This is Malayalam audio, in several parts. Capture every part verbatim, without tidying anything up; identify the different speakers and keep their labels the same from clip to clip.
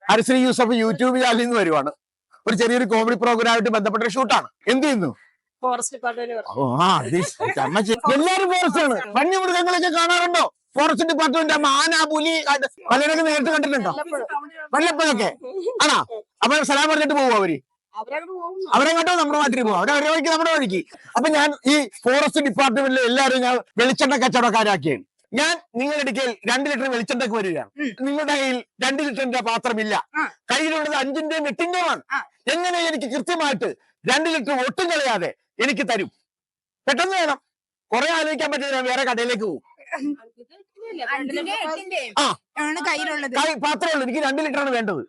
Speaker 1: ഹരിശ്രീ യൂസഫ് യൂട്യൂബ് ചാനലിൽ നിന്ന് വരുവാണ്. ഒരു ചെറിയൊരു കോമഡി പ്രോഗ്രാമായിട്ട് ബന്ധപ്പെട്ട ഷൂട്ടാണ്. എന്ത് ചെയ്യുന്നു?
Speaker 2: Forest department.
Speaker 1: എല്ലാരും ഫോറസ്റ്റ് ആണ്. വന്യമൃഗങ്ങളൊക്കെ കാണാറുണ്ടോ? ഫോറസ്റ്റ് ഡിപ്പാർട്ട്മെന്റ് മാന, പുലി പലരൊക്കെ നേരിട്ട് കണ്ടിട്ടുണ്ടോ? വല്ലപ്പോഴൊക്കെ ആണോ? അപ്പൊ സ്ഥലം പറഞ്ഞിട്ട് പോകും അവര്. അവരെ കേട്ടോ നമ്മുടെ നാട്ടിൽ പോകും. അവരെ അവരെ വഴിക്ക് നമ്മുടെ വഴിക്ക്. അപ്പൊ ഞാൻ ഈ ഫോറസ്റ്റ് ഡിപ്പാർട്ട്മെന്റിലെ എല്ലാവരും ഞാൻ വെളിച്ചെണ്ണ കച്ചവടക്കാരാക്കിയാണ്. ഞാൻ നിങ്ങളുടെ അടുക്കൽ രണ്ട് ലിറ്റർ വെളിച്ചെണ്ണക്ക് വരികയാണ്. നിങ്ങളുടെ കയ്യിൽ രണ്ട് ലിറ്ററിന്റെ പാത്രമില്ല. കയ്യിലുള്ളത് അഞ്ചിന്റെയും എട്ടിന്റെയുമാണ്. എങ്ങനെ എനിക്ക് കൃത്യമായിട്ട് രണ്ട് ലിറ്റർ ഒട്ടും കളയാതെ എനിക്ക് തരും? പെട്ടെന്ന് വേണം. കുറെ ആലോചിക്കാൻ പറ്റില്ല. ഞാൻ വേറെ കടയിലേക്ക് പോകും. ആ പാത്രമേ ഉള്ളൂ. എനിക്ക് രണ്ട് ലിറ്റർ ആണ് വേണ്ടത്.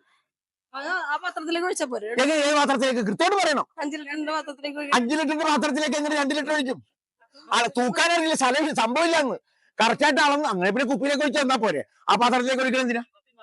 Speaker 1: ഏത് പാത്രത്തിലേക്ക് കൃത്യമായിട്ട് പറയണം. അഞ്ചു ലിറ്ററിന്റെ പാത്രത്തിലേക്ക് എങ്ങനെ രണ്ട് ലിറ്റർ ഒഴിക്കും? ആളെ തൂക്കാനറിയില്ല, സ്ഥലം സംഭവമില്ല. അന്ന് കറക്റ്റായിട്ട് അളന്ന് അങ്ങനെ പിന്നെ കുപ്പിയിലേക്ക് ഒഴിച്ച് തന്നാ പോരെ. ആ പാത്രത്തിലേക്ക് ഒഴിക്കണം എന്തിനാ?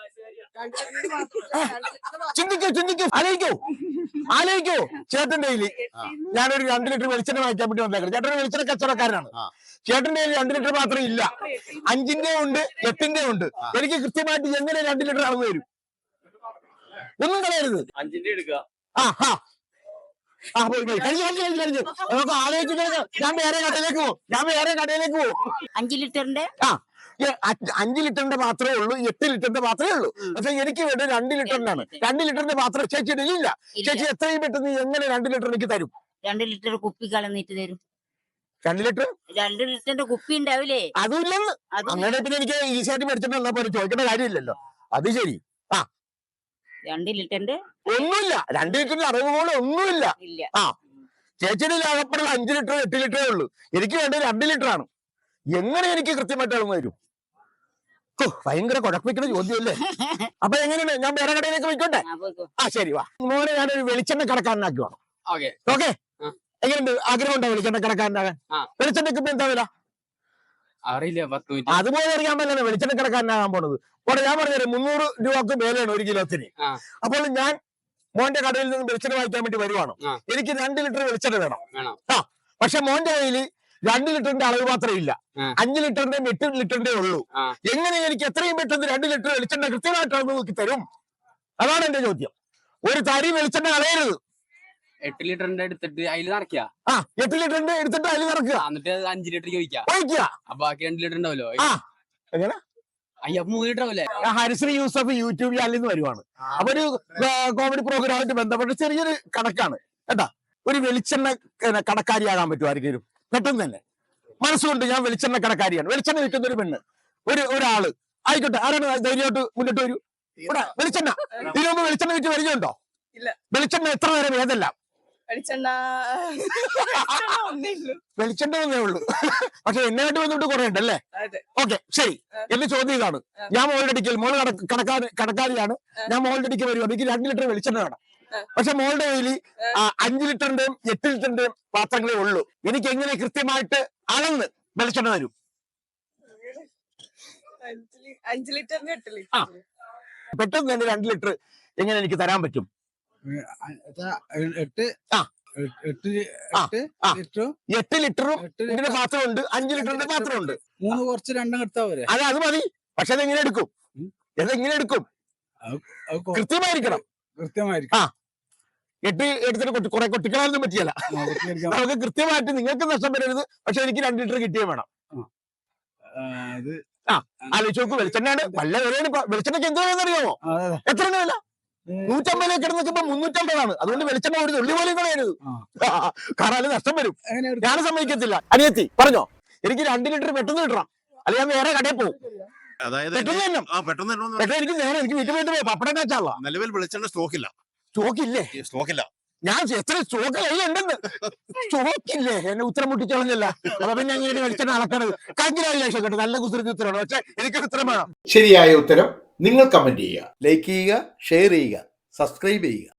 Speaker 1: ചിന്തിക്കോ ചിന്തിക്കോ ആലോചിക്കോ ആലോചിക്കോ ചേട്ടന്റെ കയ്യില് ഞാനൊരു രണ്ട് ലിറ്റർ വെളിച്ചെണ്ണ വാങ്ങിക്കാൻ വേണ്ടി വന്നേക്കണം. ചേട്ടൻ വെളിച്ചെണ്ണ കച്ചവടക്കാരനാണ്. ചേട്ടന്റെ കയ്യിൽ രണ്ട് ലിറ്റർ മാത്രം ഇല്ല. അഞ്ചിന്റെ ഉണ്ട്, എട്ടിന്റെ ഉണ്ട്. എനിക്ക് കൃത്യമായിട്ട് എങ്ങനെ രണ്ട് ലിറ്റർ അളവ് വരും? ഒന്നും കളയരുത്.
Speaker 3: അഞ്ചിന്റെ എടുക്കുക.
Speaker 1: ആ ഹാ ആ പോയി പോയി കഴിഞ്ഞു കഴിഞ്ഞു കഴിഞ്ഞു കഴിഞ്ഞു നമുക്ക് ആലോചിച്ചിട്ട് ഞാൻ വേറെ കടയിലേക്ക് പോകും. ഞാൻ വേറെ കടയിലേക്ക് പോകും.
Speaker 2: അഞ്ചു ലിറ്ററിന്റെ
Speaker 1: ആ അഞ്ചു ലിറ്ററിന്റെ പാത്രമേ ഉള്ളൂ, എട്ട് ലിറ്ററിന്റെ പാത്രമേ ഉള്ളൂ. പക്ഷെ എനിക്ക് വേണ്ടത് രണ്ട് ലിറ്ററിനാണ്. രണ്ട് ലിറ്ററിന്റെ പാത്രം ചേച്ചിയുടെ ഇല്ല. ചേച്ചി എത്രയും പെട്ടെന്ന് എങ്ങനെ രണ്ട് ലിറ്റർ എനിക്ക് തരും?
Speaker 2: രണ്ട് ലിറ്റർ കുപ്പി കളഞ്ഞിട്ട് തരും.
Speaker 1: രണ്ട് ലിറ്റർ
Speaker 2: രണ്ട് ലിറ്ററിന്റെ കുപ്പി ഉണ്ടാവില്ലേ?
Speaker 1: അതും ഇല്ലെന്ന്. അങ്ങനെ പിന്നെ എനിക്ക് ഈസിയായിട്ട് മേടിച്ചിട്ട് വന്നാ പോലെ ചോദിക്കേണ്ട കാര്യമില്ലല്ലോ. അത് ശരി. ആ
Speaker 2: രണ്ട് ലിറ്ററിന്റെ
Speaker 1: ഒന്നുമില്ല. രണ്ട് ലിറ്ററിന്റെ അറിവ് പോലെ ഒന്നുമില്ല. ആ ചേച്ചിയുടെ അകപ്പെടുള്ള അഞ്ചു ലിറ്റർ എട്ട് ലിറ്ററേ ഉള്ളൂ. എനിക്ക് വേണ്ടത് രണ്ട് ലിറ്റർ ആണ്. എങ്ങനെ എനിക്ക് കൃത്യമായിട്ട് അളവ് വരും? ഭയങ്കര കുഴപ്പിക്കുന്ന ചോദ്യമല്ലേ? അപ്പൊ എങ്ങനെയാണ്? ഞാൻ വേറെ കടയിലേക്ക് പോയിക്കോട്ടെ? ആ ശരി വാ. മോനെ ഞാനൊരു വെളിച്ചെണ്ണ കടക്കാരനാക്കി വേണം. ഓക്കെ എങ്ങനെയുണ്ട്? ആഗ്രഹം ഉണ്ടോ വെളിച്ചെണ്ണ കടക്കാരനാകാൻ? വെളിച്ചെണ്ണക്ക് ഇപ്പൊ എന്താ വില?
Speaker 3: അറിയില്ല.
Speaker 1: അതുപോലെ അറിയാൻ പറ്റില്ല വെളിച്ചെണ്ണ കടക്കാരനാകാൻ പോണത്. അവിടെ ഞാൻ പറഞ്ഞത് മുന്നൂറ് രൂപക്ക് മേലെയാണ് ഒരു കിലോത്തിന്. അപ്പോൾ ഞാൻ മോന്റെ കടയിൽ നിന്ന് വെളിച്ചെണ്ണ വാങ്ങിക്കാൻ വേണ്ടി വരുവാണ്. എനിക്ക് രണ്ട് ലിറ്റർ വെളിച്ചെണ്ണ വേണം. ആ പക്ഷെ മോന്റെ കയ്യിൽ രണ്ട് ലിറ്ററിന്റെ അളവ് മാത്രമേ ഇല്ല. അഞ്ചു ലിറ്ററിന്റെ എട്ട് ലിറ്ററിന്റെ ഉള്ളൂ. എങ്ങനെ എനിക്ക് എത്രയും പെട്ടെന്ന് രണ്ട് ലിറ്റർ വെളിച്ചെണ്ണ കൃത്യമായിട്ട് അളവ് നോക്കി തരും? അതാണ് എന്റെ ചോദ്യം. ഒരു തരി വെളിച്ചെണ്ണ കളയരുത്.
Speaker 3: എട്ട് ലിറ്ററിന്റെ എടുത്തിട്ട് അതിൽ നിറയ്ക്കുക.
Speaker 1: ആ എട്ട് ലിറ്ററിന്റെ എടുത്തിട്ട് അതിൽ നിറക്കുക.
Speaker 3: എന്നിട്ട് അഞ്ചു ലിറ്റർ ഒഴിക്കുക.
Speaker 1: അപ്പൊ
Speaker 3: ബാക്കി രണ്ട് ലിറ്റർ ഉണ്ടാവല്ലോ.
Speaker 1: എങ്ങനെ?
Speaker 3: അയ്യോ മൂന്ന് ലിറ്റർ ആവല്ലേ?
Speaker 1: ഹരിശ്രീ യൂസഫ് യൂട്യൂബ് ചാനലിൽ നിന്ന് വരുവാണ്. അപ്പൊ ഒരു കോമഡി പ്രോഗ്രാമായിട്ട് ബന്ധപ്പെട്ട് ചെറിയൊരു കണക്കാണ് കേട്ടാ. ഒരു വെളിച്ചെണ്ണ കടക്കാരിയാകാൻ പറ്റും ആർക്കെങ്കിലും? പെട്ടെന്ന് തന്നെ മനസ്സുകൊണ്ട് ഞാൻ വെളിച്ചെണ്ണ കടക്കാരിയാണ്. വെളിച്ചെണ്ണ വിൽക്കുന്ന ഒരു പെണ്ണ്, ഒരു ഒരാള് ആയിക്കോട്ടെ. ആരാണ് ധൈര്യമായിട്ട് മുന്നോട്ട് വരൂ. ഇവിടെ വെളിച്ചെണ്ണ ഇതിനു മുമ്പ് വെളിച്ചെണ്ണ വിറ്റ് പരിചയമുണ്ടോ? വെളിച്ചെണ്ണ എത്ര നേരം ഏതെല്ലാം? വെളിച്ചെണ്ണ ഒന്നേ ഉള്ളൂ. പക്ഷെ എന്നെ വേണ്ടി വന്നിട്ട് കുറെ ഉണ്ടല്ലേ? ഓക്കെ ശരി. എന്റെ ചോദ്യം ഇതാണ്. ഞാൻ മോളുടെ അടിക്കൽ മോള് കടക്കാർ കടക്കാരിയാണ്. ഞാൻ മോളുടെ അടിക്കൽ വരുവാണ്. എനിക്ക് രണ്ട് ലിറ്റർ വെളിച്ചെണ്ണ വേണം. പക്ഷെ മോളുടെ കയ്യിൽ അഞ്ചു ലിറ്ററിന്റെയും എട്ട് ലിറ്ററിന്റെയും പാത്രങ്ങളേ ഉള്ളൂ. എനിക്ക് എങ്ങനെ കൃത്യമായിട്ട് അളന്ന് വെളിച്ചെണ്ണ തരും? പെട്ടെന്ന് തന്നെ രണ്ട് ലിറ്റർ എങ്ങനെ എനിക്ക് തരാൻ പറ്റും?
Speaker 4: എട്ട്
Speaker 1: എട്ട് ലിറ്ററും ഇതിന്റെ പാത്രമുണ്ട്, അഞ്ചു ലിറ്ററിന്റെ പാത്രമുണ്ട്.
Speaker 4: മൂന്ന് കുറച്ച് രണ്ടും എടുത്താ പോരെ?
Speaker 1: അതെ അത് മതി. പക്ഷെ അതെങ്ങനെ എടുക്കും? എതെങ്ങനെ എടുക്കും? കൃത്യമായിരിക്കണം.
Speaker 4: കൃത്യമായിരിക്കും.
Speaker 1: ആ എട്ട് എടുത്തിട്ട് കുറെ കൊട്ടിക്കളാനൊന്നും പറ്റിയല്ല. നമുക്ക് കൃത്യമായിട്ട് നിങ്ങൾക്ക് നഷ്ടം വരരുത്. പക്ഷെ എനിക്ക് രണ്ട് ലിറ്റർ കിട്ടിയേ വേണം. ആ ആലോചിച്ച് നോക്കൂ. വെളിച്ചെണ്ണയാണ് വല്ല വിലയാണ്. വെളിച്ചെണ്ണയ്ക്ക് എന്ത് വിലയെന്നറിയാമോ? എത്ര വില? നൂറ്റമ്പതിലേക്ക് കിടന്നപ്പോ മുന്നൂറ്റമ്പതാണ്. അതുകൊണ്ട് വെളിച്ചെണ്ണ ഒരു തുള്ളി പോലും കളയരുത്. കാരണം അത് നഷ്ടം വരും. ഞാൻ സമ്മതിക്കത്തില്ല. അനിയത്തി പറഞ്ഞോ, എനിക്ക് രണ്ട് ലിറ്റർ പെട്ടെന്ന് കിട്ടണം, അല്ലെ ഞാൻ വേറെ കടയിൽ പോകും. എനിക്ക് നേരെ എനിക്ക് വീട്ടിൽ പോയിട്ട് പോയി പപ്പടം കാച്ചാള.
Speaker 5: നിലവിൽ വെളിച്ചെണ്ണ സ്റ്റോക്കില്ല.
Speaker 1: സ്റ്റോക്കില്ലേ?
Speaker 5: സ്റ്റോക്കില്ല.
Speaker 1: ഞാൻ എത്ര സ്റ്റോക്ക് കയ്യിലുണ്ടെന്ന്. സ്റ്റോക്കില്ലേ? എന്നെ ഉത്തരം മുട്ടിച്ചോളഞ്ഞല്ല. അപ്പൊ പിന്നെ എങ്ങനെ വെളിച്ചെണ്ണ അളക്കണത്? കൺഗ്രാജുലേഷൻ കേട്ടോ, നല്ല കുസൃതി ഉത്തരമാണ്. പക്ഷെ എനിക്ക് ഉത്തരം വേണം.
Speaker 6: ശരിയായ ഉത്തരം നിങ്ങൾ കമന്റ് ചെയ്യുക, ലൈക്ക് ചെയ്യുക, ഷെയർ ചെയ്യുക, സബ്സ്ക്രൈബ് ചെയ്യുക.